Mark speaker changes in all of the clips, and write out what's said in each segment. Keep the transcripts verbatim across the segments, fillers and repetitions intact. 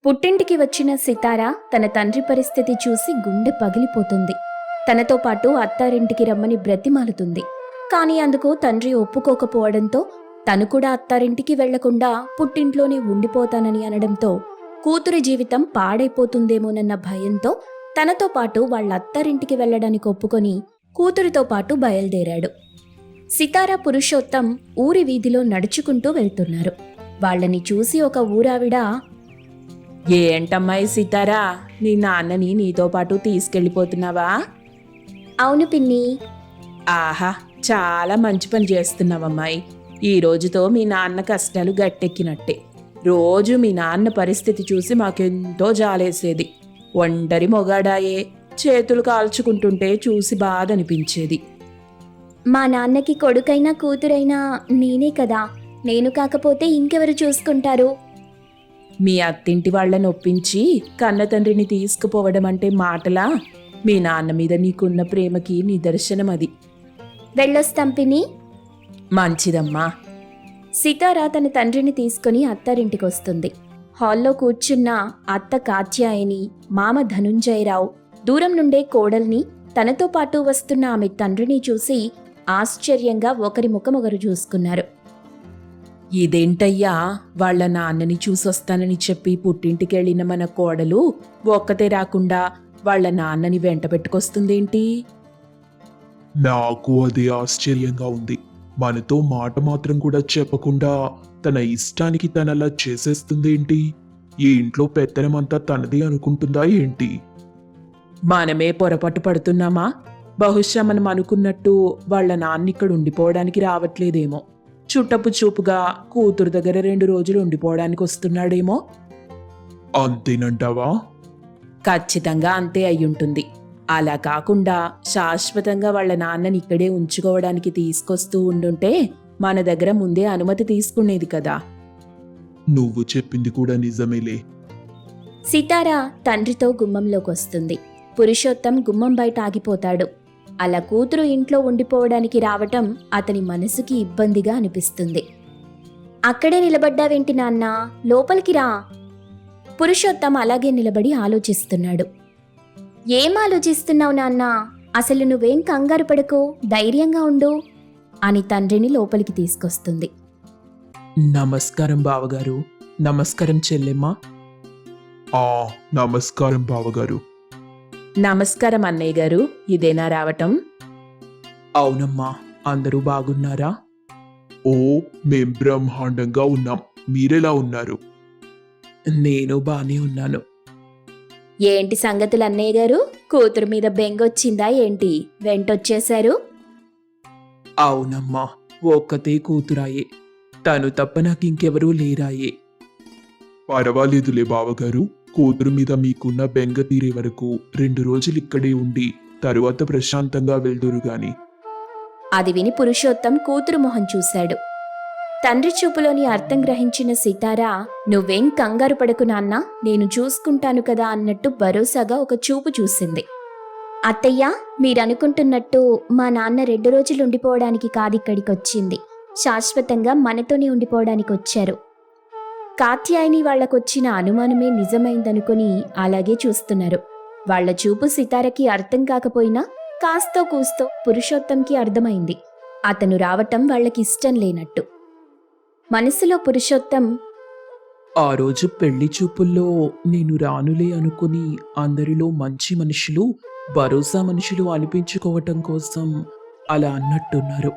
Speaker 1: పుట్టింటికి వచ్చిన సితార తన తండ్రి పరిస్థితి చూసి గుండె పగిలిపోతుంది. తనతో పాటు అత్తారింటికి రమ్మని బ్రతిమాలుతుంది. కాని అందుకు తండ్రి ఒప్పుకోకపోవడంతో తను కూడా అత్తారింటికి వెళ్లకుండా పుట్టింట్లోనే ఉండిపోతానని అనడంతో కూతురి జీవితం పాడైపోతుందేమోనన్న భయంతో తనతో పాటు వాళ్ళ అత్తారింటికి వెళ్లడానికి ఒప్పుకొని కూతురితో పాటు బయలుదేరాడు. సితార పురుషోత్తం ఊరి వీధిలో నడుచుకుంటూ వెళ్తున్నారు. వాళ్ళని చూసి ఒక ఊరావిడ,
Speaker 2: ఏంటమ్మాయి సితారా, నీ నాన్నని నీతో పాటు తీసుకెళ్ళిపోతున్నావా?
Speaker 1: అవును పిన్ని.
Speaker 2: ఆహా, చాలా మంచి పని చేస్తున్నావమ్మాయి. ఈ రోజుతో మీ నాన్న కష్టాలు గట్టెక్కినట్టే. రోజు మీ నాన్న పరిస్థితి చూసి మాకెంతో జాలేసేది. ఒంటరి మొగాడాయే, చేతులు కాల్చుకుంటుంటే చూసి బాధ అనిపించేది.
Speaker 1: మా నాన్నకి కొడుకైనా కూతురైనా నేనే కదా, నేను కాకపోతే ఇంకెవరు చూసుకుంటారు?
Speaker 2: మీ అత్తింటి వాళ్ళని ఒప్పించి కన్న తండ్రిని తీసుకుపోవడం అంటే మాటలా? మీ నాన్న మీద నీకున్న ప్రేమకి నిదర్శనం అది.
Speaker 1: వెళ్ళొస్తాం పిన్ని.
Speaker 2: మంచిదమ్మా.
Speaker 1: సితార తన తండ్రిని తీసుకుని అత్తారింటికొస్తుంది. హాల్లో కూర్చున్న అత్త కాత్యాయని, మామ ధనుంజయరావు దూరం నుండే కోడల్ని, తనతో పాటు వస్తున్న ఆమె తండ్రిని చూసి ఆశ్చర్యంగా ఒకరి ముఖమొకరు చూసుకున్నారు.
Speaker 2: ఇదేంటయ్యా, వాళ్ళ నాన్నని చూసొస్తానని చెప్పి పుట్టింటికెళ్ళిన మన కోడలు ఒక్కతే రాకుండా వాళ్ళ నాన్నని వెంట పెట్టుకొస్తుందేంటి?
Speaker 3: నాకు అది ఆశ్చర్యంగా ఉంది. మనతో మాట మాత్రం కూడా చెప్పకుండా తన ఇష్టానికి తనలా చేసేస్తుందేంటి? ఈ ఇంట్లో పెత్తనమంతా తనది అనుకుంటుందా ఏంటి?
Speaker 2: మనమే పొరపాటు పడుతున్నామా? బహుశా మనం అనుకున్నట్టు వాళ్ళ నాన్న ఇక్కడ ఉండిపోవడానికి రావట్లేదేమో. చుట్టపు చూపుగా కూతురు దగ్గర రెండు రోజులు ఉండిపోవడానికి వస్తున్నాడేమో.
Speaker 3: అంతేనంటావా?
Speaker 2: ఖచ్చితంగా అంతే అయ్యుంటుంది. అలా కాకుండా శాశ్వతంగా వాళ్ళ నాన్నని ఇక్కడే ఉంచుకోవడానికి తీసుకొస్తూ ఉండుంటే మన దగ్గర ముందే అనుమతి తీసుకునేది కదా.
Speaker 3: నువ్వు చెప్పింది కూడా నిజమేలే.
Speaker 1: సితార తండ్రితో గుమ్మంలోకొస్తుంది. పురుషోత్తం గుమ్మం బయట ఆగిపోతాడు. అలా కూతురు ఇంట్లో ఉండిపోవడానికి రావటం అతని మనసుకి ఇబ్బందిగా అనిపిస్తుంది. అక్కడే నిలబడ్డావేంటి నాన్నా, లోపలికి రా. పురుషోత్తం అలాగే నిలబడి ఆలోచిస్తున్నాడు. ఏం ఆలోచిస్తున్నావు నాన్నా? అసలు నువ్వేం కంగారు పడకు, ధైర్యంగా ఉండు అని తండ్రిని లోపలికి తీసుకొస్తుంది.
Speaker 2: నమస్కారం బావగారు. నమస్కారం చెల్లెమ్మ.
Speaker 3: ఆ నమస్కారం బావగారు.
Speaker 2: నమస్కారం అన్నయ్య గారు. ఇదేనా రావటం? అవునమ్మా. అందరూ బాగున్నారా?
Speaker 3: ఓ, మేం బ్రహ్మాండంగా ఉన్నాం. మీరెలా ఉన్నారు?
Speaker 2: నేను బానే ఉన్నాను.
Speaker 1: ఏంటి సంగతులు అన్నయ్య గారు? కూతురు మీద బెంగొచ్చిందా ఏంటి? వెంటొచ్చేశారు?
Speaker 2: అవునమ్మా, ఒక్కతే కూతురాయే. తను తప్ప నాకింకెవరూ లేరాయే.
Speaker 3: పర్వాలేదులే బావగారు. కూతురు మీద మీకున్న బెంగ తీరే వరకు రెండు రోజులు ఇక్కడే ఉండి తరువాత ప్రశాంతంగా వెళ్దురు గాని.
Speaker 1: అది విని పురుషోత్తం కూతురు మొహం చూశాడు. తండ్రి చూపులోని అర్థం గ్రహించిన సితార, నువ్వేం కంగారు పడకు నాన్నా, నేను చూసుకుంటాను కదా అన్నట్టు భరోసాగా ఒక చూపు చూసింది. అత్తయ్య, మీరనుకుంటున్నట్టు మా నాన్న రెండు రోజులు ఉండిపోవడానికి కాదిక్కడికొచ్చింది. శాశ్వతంగా మనతోనే ఉండిపోవడానికి వచ్చారు. కాత్యాయని వాళ్లకొచ్చిన అనుమానమే నిజమైందనుకుని అలాగే చూస్తున్నారు. వాళ్ల చూపు సితారకి అర్థం కాకపోయినా కాస్తో కూస్తో పురుషోత్తంకి అర్థమైంది. అతను రావటం వాళ్లకిష్టం లేనట్టు. మనసులో పురుషోత్తం,
Speaker 2: ఆ రోజు పెళ్లి చూపుల్లో నేను రానులే అనుకుని అందరిలో మంచి మనుషులు, భరోసా మనుషులు అనిపించుకోవటం కోసం అలా అన్నట్టున్నారు.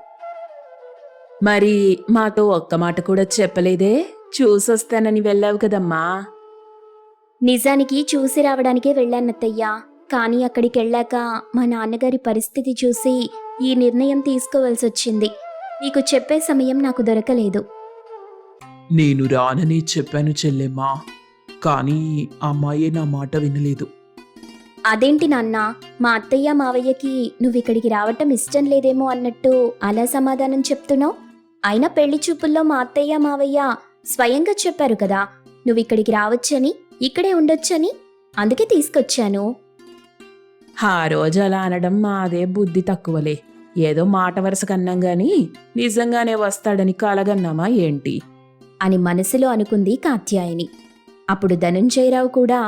Speaker 2: మరి మాతో ఒక్క మాట కూడా చెప్పలేదే? చూసొస్తానని వెళ్ళావు కదమ్మా.
Speaker 1: నిజానికి చూసి రావడానికే వెళ్ళానత్తయ్యా. కానీ అక్కడికెళ్ళాక మా నాన్నగారి పరిస్థితి చూసి ఈ నిర్ణయం తీసుకోవాల్సొచ్చింది. నీకు చెప్పే సమయం నాకు దొరకలేదు.
Speaker 2: నేను రానని చెప్పాను చెల్లెమ్మా, కానీ అమ్మాయే నా మాట వినలేదు.
Speaker 1: అదేంటి నాన్నా, మా అత్తయ్య మావయ్యకి నువ్విక్కడికి రావటం ఇష్టం లేదేమో అన్నట్టు అలా సమాధానం చెప్తున్నావు? అయినా పెళ్లి చూపుల్లో మా అత్తయ్య మావయ్య స్వయంగా చెప్పారు కదా నువ్విక్కడికి రావచ్చని, ఇక్కడే ఉండొచ్చని. అందుకే తీసుకొచ్చాను.
Speaker 2: ఆ రోజు అలా అనడం మాదే బుద్ధి తక్కువలే. ఏదో మాట వరుస కన్నాం గాని నిజంగానే వస్తాడని కలగన్నామా ఏంటి
Speaker 1: అని మనసులో అనుకుంది కాత్యాయని. అప్పుడు ధనుంజయరావు కూడా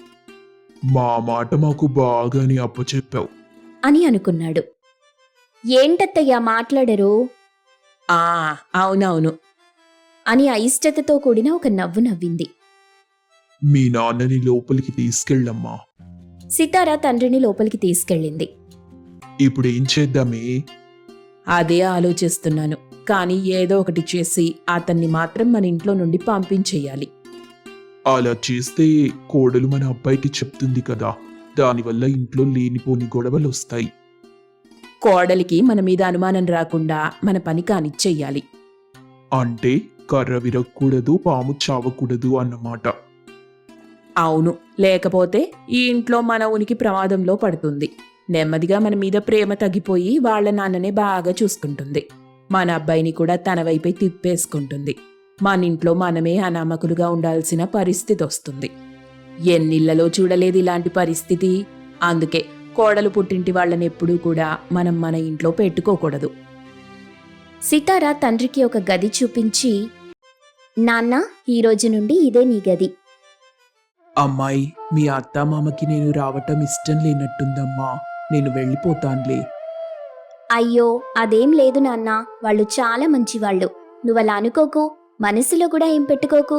Speaker 3: మా మాట మాకు బాగానే అప్పచెప్పావు.
Speaker 1: అని అనుకున్నాడు. ఏంటత్తయ్యా మాట్లాడరు
Speaker 2: ఆ అవునవును.
Speaker 1: అని అయిష్టతతో కూడిన ఒక నవ్వు నవ్వింది.
Speaker 3: మీ నాన్నని లోపలికి తీసుకెళ్ళమ్మా.
Speaker 1: సితార తండ్రిని లోపలికి తీసుకెళ్ళింది.
Speaker 3: ఇప్పుడు ఏం చేద్దామే?
Speaker 2: అదే ఆలోచిస్తున్నాను. కానీ ఏదో ఒకటి చేసి అతన్ని మాత్రం మన ఇంట్లో నుండి పంపించేయాలి.
Speaker 3: అలా చేస్తే కోడలు మన అబ్బాయికి చెప్తుంది కదా, దానివల్ల ఇంట్లో లేనిపోని గొడవలు వస్తాయి.
Speaker 2: కోడలికి మన మీద అనుమానం రాకుండా మన పని కానిచ్చెయ్యాలి.
Speaker 3: అంటే కర్ర విరగకూడదు, పాము చావకూడదు అన్నమాట.
Speaker 2: అవును, లేకపోతే ఈ ఇంట్లో మన ఉనికి ప్రమాదంలో పడుతుంది. నెమ్మదిగా మన మీద ప్రేమ తగ్గిపోయి వాళ్ళ నాన్ననే బాగా చూసుకుంటుంది. మన అబ్బాయిని కూడా తన వైపే తిప్పేసుకుంటుంది. మన ఇంట్లో మనమే అనామకులుగా ఉండాల్సిన పరిస్థితి వస్తుంది. ఎన్నిళ్లలో చూడలేదు ఇలాంటి పరిస్థితి. అందుకే కోడలు పుట్టింటి వాళ్ళని ఎప్పుడూ కూడా మనం మన ఇంట్లో పెట్టుకోకూడదు.
Speaker 1: సితార తండ్రికి ఒక గది చూపించి, నాన్న, ఈ రోజు నుండి ఇదే నీ గది.
Speaker 2: అమ్మాయి, మీ అత్తామామకి నేను రావటం ఇష్టం లేనట్టుందమ్మా. నేను వెళ్ళిపోతాన్లే.
Speaker 1: అయ్యో, అదేం లేదు నాన్న, వాళ్ళు చాలా మంచివాళ్ళు. నువ్వలా అనుకోకు, మనసులో కూడా ఏం పెట్టుకోకు.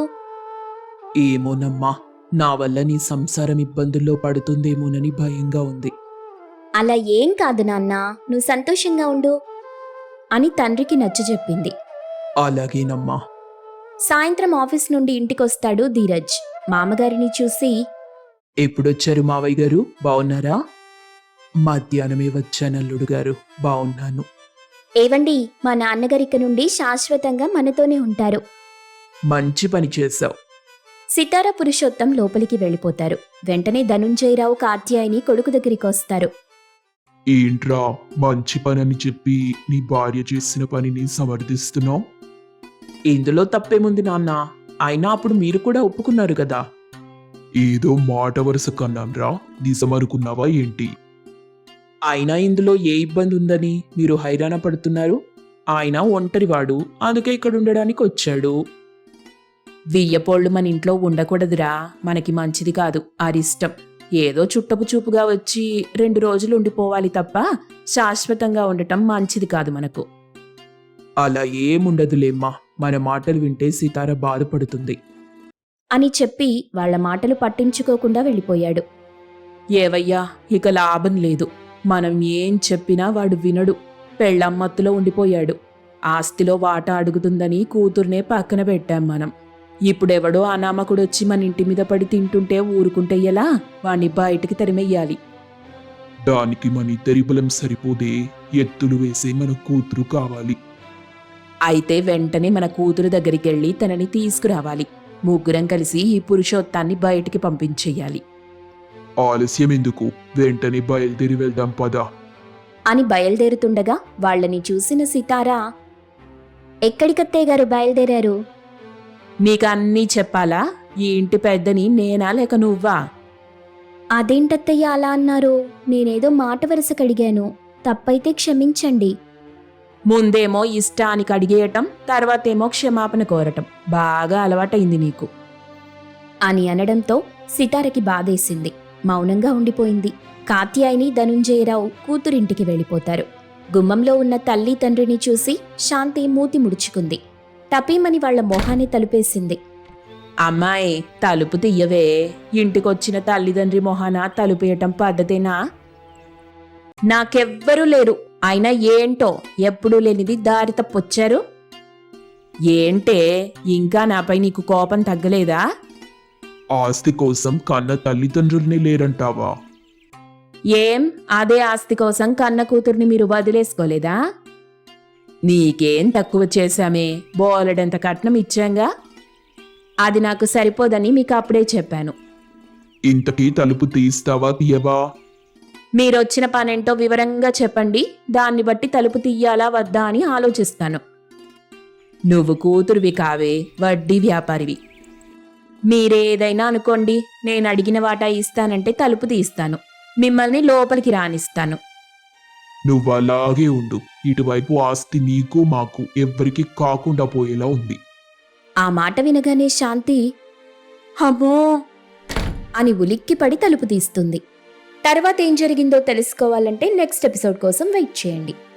Speaker 2: ఏమోనమ్మా, నా వల్ల నీ సంసారం ఇబ్బందుల్లో పడుతుందేమోనని భయంగా ఉంది.
Speaker 1: అలా ఏం కాదు నాన్న, నువ్వు సంతోషంగా ఉండు అని తండ్రికి నచ్చజెప్పింది.
Speaker 2: అలాగేనమ్మా.
Speaker 1: సాయంత్రం ఆఫీస్ నుండి ఇంటికొస్తాడు ధీరజ్. మామగారిని చూసి,
Speaker 2: ఎప్పుడొచ్చారు మావయ్య గారు? బావున్నారా? మధ్యాహ్నమే వచ్చానల్లుడు గారు. బావున్నాను.
Speaker 1: ఏవండి, మా నాన్నగారిక నుండి శాశ్వతంగా మనతోనే ఉంటారు.
Speaker 2: మంచి పని చేశావు.
Speaker 1: సితార పురుషోత్తం లోపలికి వెళ్ళిపోతారు. వెంటనే ధనుంజయరావు కాత్యాయని కొడుకు దగ్గరికి వస్తారు.
Speaker 3: ఏంట్రా మంచి పనని చెప్పి నీ భార్య చేసిన పనిని సమర్థిస్తున్నావు?
Speaker 2: ఇందులో తప్పేముంది నాన్న? అయినా అప్పుడు మీరు కూడా ఒప్పుకున్నారు కదా.
Speaker 3: ఏదో మాట వరుస కన్నాంరా, నిజమనుకున్నావా ఏంటి?
Speaker 2: అయినా ఇందులో ఏ ఇబ్బంది ఉందని మీరు హైరాణ పడుతున్నారు? ఆయన ఒంటరివాడు, అందుకే ఇక్కడ ఉండడానికి వచ్చాడు. వియ్యపోళ్ళు మన ఇంట్లో ఉండకూడదురా, మనకి మంచిది కాదు. అరిష్టం. ఏదో చుట్టపు చూపుగా వచ్చి రెండు రోజులు ఉండిపోవాలి తప్ప శాశ్వతంగా ఉండటం మంచిది కాదు మనకు. అలా ఏముండదులేమ్మా, మన మాటలు వింటే సీతార బాధపడుతుంది
Speaker 1: అని చెప్పి వాళ్ల మాటలు పట్టించుకోకుండా వెళ్ళిపోయాడు.
Speaker 2: ఏవయ్యా, ఇక లాభం లేదు. మనం ఏం చెప్పినా వాడు వినడు. పెళ్ళమ్మత్తులో ఉండిపోయాడు. ఆస్తిలో వాటా అడుగుతుందని కూతుర్నే పక్కన పెట్టాం మనం. ఇప్పుడెవడో అనామకుడొచ్చి మన ఇంటి మీద పడి తింటుంటే ఊరుకుంటే ఎలా? వాణ్ణి బయటికి తరిమెయ్యాలి.
Speaker 3: దానికి మన ఇద్దరి బలం సరిపోదే, ఎత్తులు వేసే మన కూతురు కావాలి.
Speaker 2: అయితే వెంటనే మన కూతురు దగ్గరికెళ్ళి తనని తీసుకురావాలి. ముగ్గురం కలిసి ఈ పురుషోత్తాన్ని బయటికి పంపించెయ్యాలి.
Speaker 3: ఆలస్యం ఎందుకు, వెంటనే బయలుదేరి వెళ్దాం పదా
Speaker 1: అని బయలుదేరుతుండగా వాళ్ళని చూసిన సితారా, ఎక్కడికత్తయ్య గారు బయలుదేరారు?
Speaker 2: నీకన్నీ చెప్పాలా? ఈ ఇంటి పెద్దని నేనా లేక నువ్వా?
Speaker 1: అదేంటత్తయ్య అలా అన్నారు? నేనేదో మాట వరుసకడిగాను, తప్పైతే క్షమించండి.
Speaker 2: ముందేమో ఇష్టానికి అడిగేయటం, తర్వాతేమో క్షమాపణ కోరటం బాగా అలవాటైంది నీకు
Speaker 1: అని అనడంతో సితారకి బాధేసింది. మౌనంగా ఉండిపోయింది. కాత్యాయని ధనుంజయరావు కూతురింటికి వెళ్ళిపోతారు. గుమ్మంలో ఉన్న తల్లి తండ్రిని చూసి శాంతి మూతి ముడుచుకుంది. టపీమని వాళ్ల మొహాన్ని తలుపేసింది.
Speaker 2: అమ్మాయి, తలుపు తీయవే. ఇంటికొచ్చిన తల్లిదండ్రి మొహాన తలుపేయటం పద్ధతేనా? నాకెవ్వరూ లేరు. అయినా ఏంటో ఎప్పుడూ లేనిది దారి తప్పొచ్చారు. ఏంటే, ఇంకా నాపై నీకు కోపం తగ్గలేదా?
Speaker 3: ఆస్తి కోసం కన్న తల్లిదండ్రుల్ని లేరంటావా?
Speaker 2: ఏం, అదే ఆస్తి కోసం కన్న కూతుర్ని మీరు వదిలేసుకోలేదా? నీకేం తక్కువ చేశామే, బోలెడంత కట్నం ఇచ్చాంగా. అది నాకు సరిపోదని మీకు అప్పుడే చెప్పాను.
Speaker 3: ఇంతకీ తలుపు తీస్తావా తీయవా?
Speaker 2: మీరొచ్చిన పనేంటో వివరంగా చెప్పండి. దాన్ని బట్టి తలుపు తీయాలా వద్దా అని ఆలోచిస్తాను. నువ్వు కూతురువి కావే, వడ్డీ వ్యాపారివి. మీరేదైనా అనుకోండి, నేను అడిగిన వాటా ఇస్తానంటే తలుపు తీస్తాను, మిమ్మల్ని లోపలికి రానిస్తాను.
Speaker 3: నువ్వలాగే ఉండు. ఇటువైపు ఆస్తి నీకు మాకు ఎవ్వరికి కాకుండా పోయేలా ఉంది.
Speaker 1: ఆ మాట వినగానే శాంతి,
Speaker 2: అమ్మో
Speaker 1: అని ఉలిక్కిపడి తలుపు తీస్తుంది. తర్వాత ఏం జరిగిందో తెలుసుకోవాలంటే నెక్స్ట్ ఎపిసోడ్ కోసం వెయిట్ చేయండి.